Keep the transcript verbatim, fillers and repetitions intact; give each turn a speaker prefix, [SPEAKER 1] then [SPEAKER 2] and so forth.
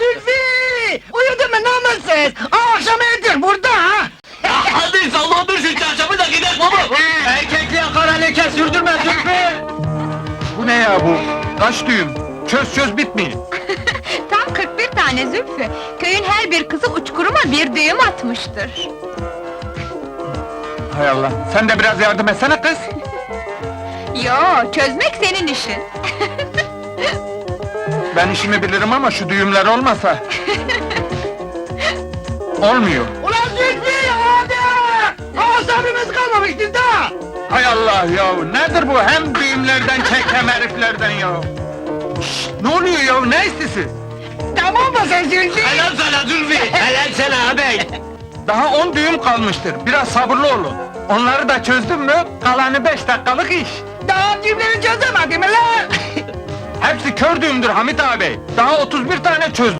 [SPEAKER 1] Zülfü! Uyudun mu namussuz? Akşam evdir burada ha!
[SPEAKER 2] Hadi sallandır şu çarşafı da gidelim baba!
[SPEAKER 1] Erkekliğe kara leke sürdürme Zülfü!
[SPEAKER 3] Bu ne ya bu? Kaç düğüm? Çöz çöz bitmiyor.
[SPEAKER 4] Tam kırk bir tane Zülfü. Köyün her bir kızı uçkuruma bir düğüm atmıştır.
[SPEAKER 3] Hay Allah, sen de biraz yardım etsene kız.
[SPEAKER 4] Yo, çözmek senin işin.
[SPEAKER 3] Ben işimi bilirim ama şu düğümler olmasa... Olmuyor.
[SPEAKER 1] Ulan Zülfü hadi! Asabimiz kalmamıştır da!
[SPEAKER 3] Hay Allah ya, nedir bu? Hem düğümlerden çek hem heriflerden ya. Şşt, ne oluyor ya, ne istisi?
[SPEAKER 1] Tamam mı sen Zülfü?
[SPEAKER 2] Helal sana Zülfü! Helal sana ağabey!
[SPEAKER 3] Daha on düğüm kalmıştır, biraz sabırlı olun. Onları da çözdün mü, kalanı beş dakikalık iş.
[SPEAKER 1] Daha cümleyi çözemedin mi lan?
[SPEAKER 3] Hepsi kör düğümdür Hamit ağabey. Daha otuz bir tane çözdüm.